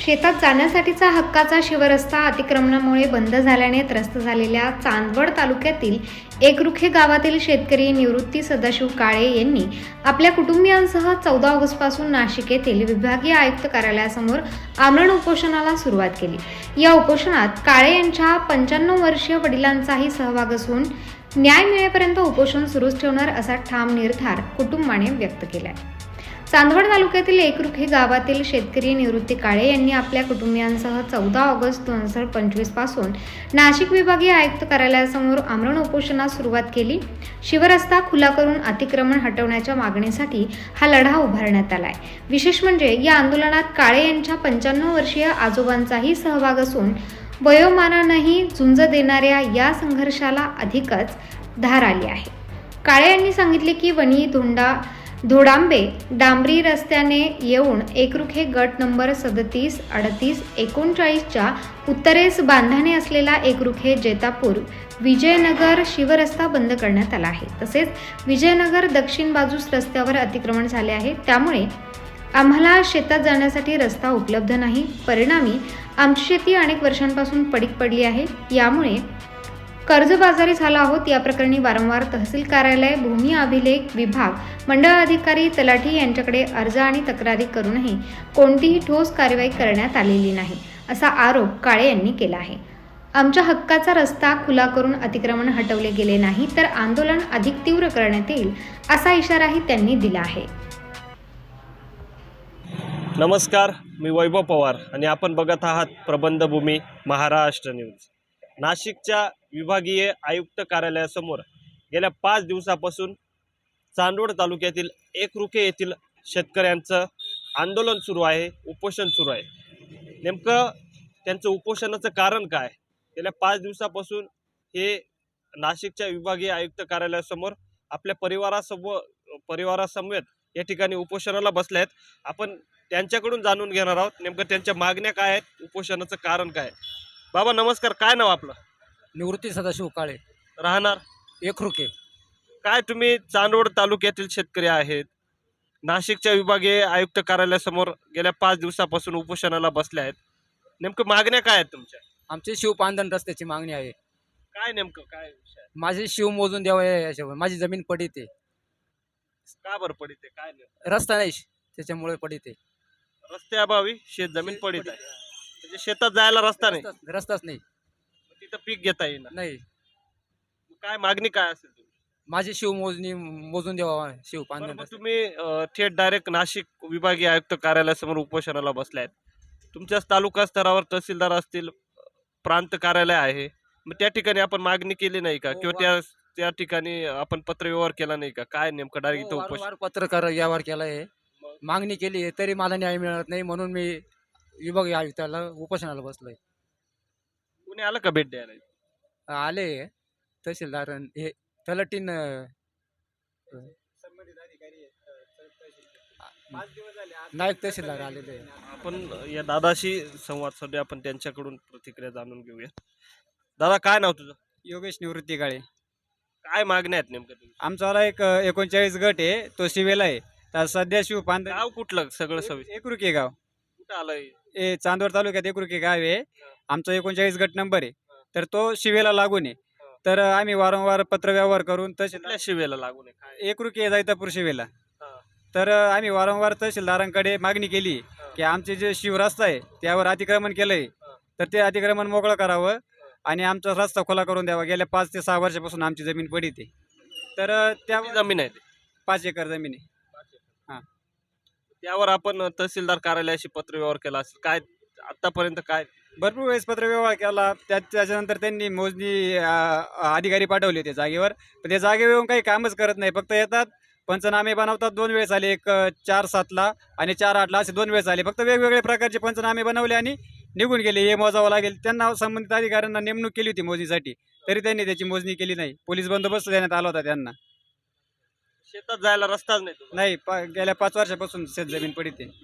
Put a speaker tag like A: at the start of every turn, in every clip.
A: शेतात जाण्यासाठीचा हक्काचा शिवरस्ता अतिक्रमणामुळे बंद झाल्याने त्रस्त झालेल्या चांदवड तालुक्यातील एकरुखे गावातील शेतकरी निवृत्ती सदाशिव काळे यांनी आपल्या कुटुंबियांसह 14 ऑगस्टपासून नाशिक येथील विभागीय आयुक्त कार्यालयासमोर आमरण उपोषणाला सुरुवात केली। या उपोषणात काळे यांच्या 95 वर्षीय वडिलांचाही सहभाग असून न्याय मिळेपर्यंत उपोषण सुरूच ठेवणार असा ठाम निर्धार कुटुंबाने व्यक्त केलाय। चांदवड तालुक्यातील एकरुखे गावातील शेतकरी निवृत्ती काळे यांनी आपल्या कुटुंबियांसह 14 ऑगस्ट 2025 पासून नाशिक विभागीय आयुक्त कार्यालयासमोर आमरण उपोषणास सुरुवात केली। शिवरस्ता खुला करून अतिक्रमण हटवण्याच्या मागणीसाठी हा लढा उभारण्यात आलाय। विशेष म्हणजे या आंदोलनात काळे यांच्या 95 वर्षीय आजोबांचाही सहभाग असून वयोमानानेही झुंज देणाऱ्या या संघर्षाला अधिकच धार आली आहे। काळे यांनी सांगितले की वणी धोडांबे डांबरी रस्त्याने येऊन एकरुखे गट नंबर 37, 38, 39च्या उत्तरेस बांधाने असलेला एकरुखे जैतापूर विजयनगर शिवरस्ता बंद करण्यात आला आहे। तसेच विजयनगर दक्षिण बाजूस रस्त्यावर अतिक्रमण झाले आहे, त्यामुळे आम्हाला शेतात जाण्यासाठी रस्ता उपलब्ध नाही। परिणामी आमची शेती अनेक वर्षांपासून पडीक पडली आहे। यामुळे कर्जबाजारी झाला आहोत। या प्रकरणी वारंवार तहसील कार्यालय, भूमी अभिलेख विभाग, मंडळ अधिकारी, तलाठी यांच्याकडे अर्ज आणि तक्रारी करूनही कोणतीही ठोस कारवाई करण्यात आलेली नाही, असा आरोप काळे यांनी केला आहे। आमच्या हक्काचा रस्ता खुला करून अतिक्रमण हटवले गेले नाही तर आंदोलन अधिक तीव्र करण्यात येईल, असा इशाराही त्यांनी दिला आहे।
B: नमस्कार, मी वैभव पवार आणि आपण बघत आहात प्रबंधभूमी महाराष्ट्र न्यूज। नाशिकच्या विभागीय आयुक्त कार्यालयासमोर गेल्या 5 दिवसापासून चांदवड तालुक्यातील एकरुखे येथील शेतकऱ्यांचं आंदोलन सुरू आहे, उपोषण सुरू आहे। नेमकं त्यांचं उपोषणाचं कारण काय? गेल्या 5 दिवसापासून हे नाशिकच्या विभागीय आयुक्त कार्यालयासमोर आपल्या परिवारासमवेत या ठिकाणी उपोषणाला बसले आहेत। आपण त्यांच्याकडून जाणून घेणार आहोत नेमकं त्यांच्या मागण्या काय आहेत, उपोषणाचं कारण काय। बाबा नमस्कार, काय नाव आपलं?
C: निवृत्ती सदाशिव काळे,
B: राहणार
C: एकरुखे।
B: काय तुम्ही चांदवड तालुक्यातील शेतकरी आहेत, नाशिकच्या विभागीय आयुक्त कार्यालयासमोर गेल्या 5 दिवसापासून उपोषणाला बसले आहेत, नेमकं मागण्या काय आहेत तुमच्या?
C: आमची शिवपांधन रस्त्याची मागणी आहे।
B: काय नेमकं काय विषय आहे?
C: माझी शिव मोजून द्यावं याच्यावर, माझी जमीन पडीत आहे।
B: का बरं पडित आहे, काय नेमकं?
C: रस्ता नाही, त्याच्यामुळे पडीत आहे।
B: रस्त्याअभावी शेत जमीन पडित आहे, म्हणजे शेतात जायला रस्ता नाही,
C: रस्ताच नाही,
B: तिथं पीक घेता येईल
C: नाही।
B: काय मागणी काय असेल तुमची?
C: माझी शिव मोजणी मोजून द्यावा शिवपांधन
B: बरं, मग
C: रस्ता।
B: तुम्ही थेट डायरेक्ट नाशिक विभागीय आयुक्त कार्यालयासमोर उपोषणाला बसले आहेत। तुमच्या तालुका स्तरावर तहसीलदार असतील, प्रांत कार्यालय आहे, मग त्या ठिकाणी आपण मागणी केली नाही का? किंवा त्या ठिकाणी आपण पत्रव्यवहार केला नाही का? काय नेमकं डायरेक्ट इथं उपोषण?
C: वारंवार पत्रकार व्यवहार केला आहे, मागणी केली आहे, तरी मला न्याय मिळत नाही, म्हणून मी विभागीय आयुक्ताला उपोषणाला बसलोय।
B: कुणी आलं का भेट द्यायला?
C: आले तहसीलदार, हे तलाठीन नायक तहसीलदार आलेले आहे।
B: आपण या दादाशी संवाद साधूया, आपण त्यांच्याकडून प्रतिक्रिया जाणून घेऊया। दादा, काय नाव तुझं?
D: योगेश निवृत्ती काळे।
B: काय मागण्या आहेत नेमकं तुमच्या?
D: आमचावाला एक 39 गट आहे, तो शिवेला आहे। तर सध्या शिवपांधन
B: गाव कुठलं सगळं सविस्तर?
D: एकरुखे गाव,
B: कुठं आलंय?
D: हे चांदवड तालुक्यात एकरुखे गाव आहे। आमचा 39 गट नंबर आहे, तर तो शिवेला लागून आहे। तर आम्ही वारंवार पत्रव्यवहार करून
B: कुठल्या
D: तहसीलदार
B: शिवेला लागून आहे काय?
D: एकरुखे जैतापूर शिवेला,
B: हा.
D: तर आम्ही वारंवार तहसीलदारांकडे मागणी केली की आमचे जे शिवरस्ता आहे त्यावर अतिक्रमण केलंय, तर ते अतिक्रमण मोकळं करावं आणि आमचा रस्ता खुला करून द्यावा। गेल्या 5 ते 6 वर्षापासून आमची जमीन पडीत आहे, तर
B: किती जमीन आहे ते?
D: 5 एकर जमीन आहे।
B: त्यावर आपण तहसीलदार कार्यालयाशी पत्रव्यवहार केला असेल, काय आतापर्यंत काय?
D: भरपूर वेळेस पत्रव्यवहार केला, त्याच्यानंतर त्यांनी मोजणी अधिकारी पाठवले होते जागेवर, पण ते जागेवर येऊन काही कामच करत नाही, फक्त येतात, पंचनामे बनवतात। 2 वेळेस आले, एक 4/7ला आणि 4/8ला, असे 2 वेळेस आले। फक्त वेगवेगळे प्रकारचे पंचनामे बनवले आणि निघून गेले। हे मोजावं लागेल, त्यांना संबंधित अधिकाऱ्यांना नेमणूक केली होती मोजणीसाठी, तरी त्यांनी त्याची मोजणी केली नाही। पोलीस बंदोबस्त देण्यात आला होता त्यांना।
B: शेतात जायला रस्ताच नाही तुम्हाला?
D: नाही, गेल्या 5 वर्षापासून शेत जमीन पडीत आहे।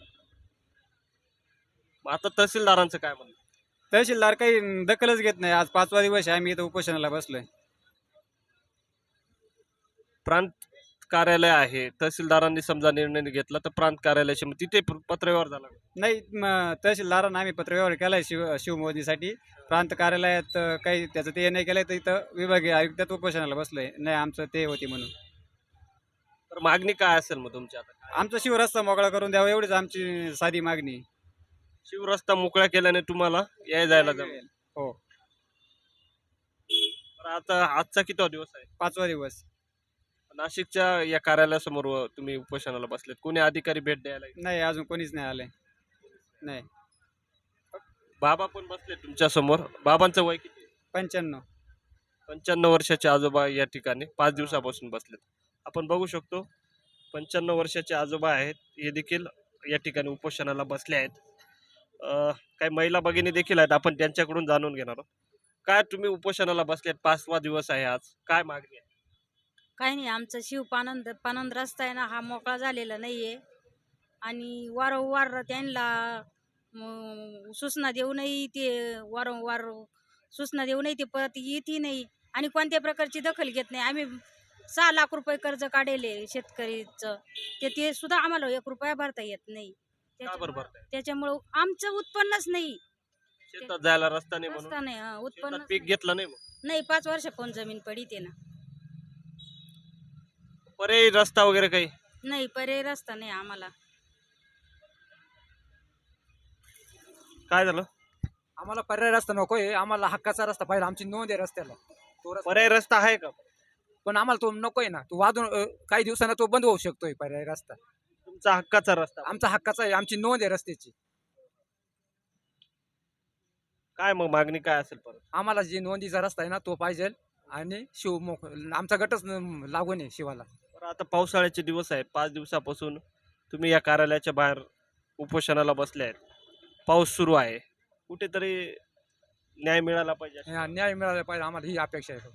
B: मग आता तहसीलदारांचं काय म्हणणं?
D: तहसीलदार काही दखलच घेत नाही। आज 5वा दिवस आहे, आम्ही इथं उपोषणाला बसलोय।
B: प्रांत कार्यालय आहे, तहसीलदारांनी समजा निर्णय घेतला तर प्रांत कार्यालयाशी मग तिथे पत्रव्यवहार झाला का?
D: नाही तहसीलदारांना आम्ही पत्रव्यवहार केला आहे शिवमोजणीसाठी. प्रांत कार्यालयात काही त्याचं ते नाही केलं तर इथं विभागीय आयुक्तात उपोषणाला बसलो आहे. नाही आमचं ते होती म्हणून.
B: तर मागणी काय असेल मग तुमची आता?
D: आमचा शिवरस्ता मोकळा करून द्यावा एवढीच आमची साधी मागणी आहे.
B: शिवरस्ता मोकळा केल्याने तुम्हाला याय जायला जमेल.
D: हो.
B: तर आता आजचा किती दिवस आहे?
D: 5वा दिवस.
B: नाशिकच्या या कार्यालयासमोर तुम्ही उपोषणाला बसलेत, कोणी अधिकारी भेट द्यायला येईल?
D: नाही अजून कोणीच नाही आलंय. नाही.
B: बाबा पण बसले तुमच्या समोर. बाबांचं वय किती?
D: 95.
B: 55 वर्षाचे आजोबा या ठिकाणी 5 दिवसापासून बसलेत. आपण बघू शकतो 55 वर्षाचे आजोबा आहेत, हे देखील या ठिकाणी उपोषणाला बसले आहेत. काही महिला भगिनी देखील आहेत, आपण त्यांच्याकडून जाणून घेणार आहोत. काय तुम्ही उपोषणाला बसलेत, 5वा दिवस आहे आज, काय मागणी आहे?
E: काही नाही, आमचा पानंद रस्ता आहे ना, हा मोकळा झालेला नाहीये आणि वारंवार त्यांना सूचना देऊनही ते वारंवार सूचना देऊनही ते परत येतही नाही आणि कोणत्या प्रकारची दखल घेत नाही. आम्ही 6 लाख रुपये कर्ज काढले शेतकरीचं, ते सुद्धा आम्हाला 1 रुपया भरता येत नाही.
B: का बरं भरताय?
E: त्याच्यामुळं आमचं उत्पन्नच नाही.
B: शेतात जायला रस्ता नाही म्हणून
E: रस्ता नाही, उत्पन्न
B: शेतात पीक घेतलं नाही. मग
E: नाही. 5 वर्षापासून जमीन पडीत आहे ना.
B: पर्यायी रस्ता वगैरे काही?
E: नाही, पर्याय रस्ता नाही आम्हाला.
B: काय झालं?
C: आम्हाला पर्याय रस्ता नकोय, आम्हाला हक्काचा रस्ता पाहिजे. आमची नोंद आहे रस्त्याला, तो रस्ता.
B: पर्यायी रस्ता आहे का?
C: पण आम्हाला तो नकोय ना, तो वाजून काही दिवसांना तो बंद होऊ शकतोय पर्याय रस्ता.
B: तुमचा हक्काचा रस्ता
C: आमचा हक्काचा आहे, आमची नोंद आहे रस्त्याची.
B: काय मग मागणी काय असेल परत?
C: आम्हाला जी नोंदीचा रस्ता आहे ना तो पाहिजे आणि आमचा गटच लागून आहे शिवाला.
B: बरं, आता पावसाळ्याचे दिवस आहेत, 5 दिवसापासून तुम्ही या कार्यालयाच्या बाहेर उपोषणाला बसले आहेत. पाऊस सुरू आहे, कुठेतरी न्याय मिळाला पाहिजे.
C: न्याय मिळाला पाहिजे, आम्हाला ही अपेक्षा आहे.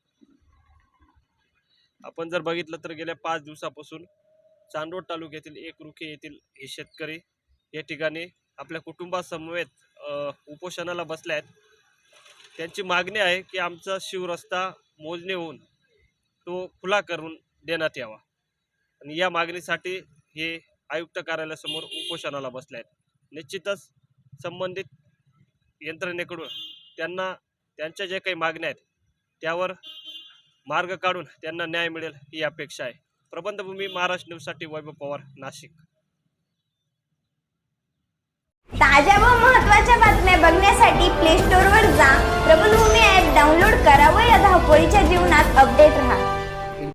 B: आपण जर बघितलं तर गेल्या 5 दिवसापासून चांदवड तालुक्यातील एकरुखे येथील हे शेतकरी या ठिकाणी आपल्या कुटुंबासमवेत उपोषणाला बसले आहेत. त्यांची मागणी आहे की आमचा शिवरस्ता मोजणी होऊन तो खुला करून देण्यात यावा आणि या मागणीसाठी हे आयुक्त कार्यालयासमोर उपोषणाला बसले आहेत. निश्चितच संबंधित यंत्रणेकडून त्यांना त्यांच्या जे काही मागण्या आहेत त्यावर मार्ग काढून त्यांना न्याय मिळेल ही अपेक्षा आहे. प्रबंधभूमी महाराष्ट्र न्यूजसाठी वैभव पवार, नाशिक.
F: ताज्या व महत्त्वाच्या बातम्या बघण्यासाठी प्ले स्टोअरवर जा, प्रबंधभूमी ॲप डाउनलोड करा व या धावपळीच्या जीवनात अपडेट रहा.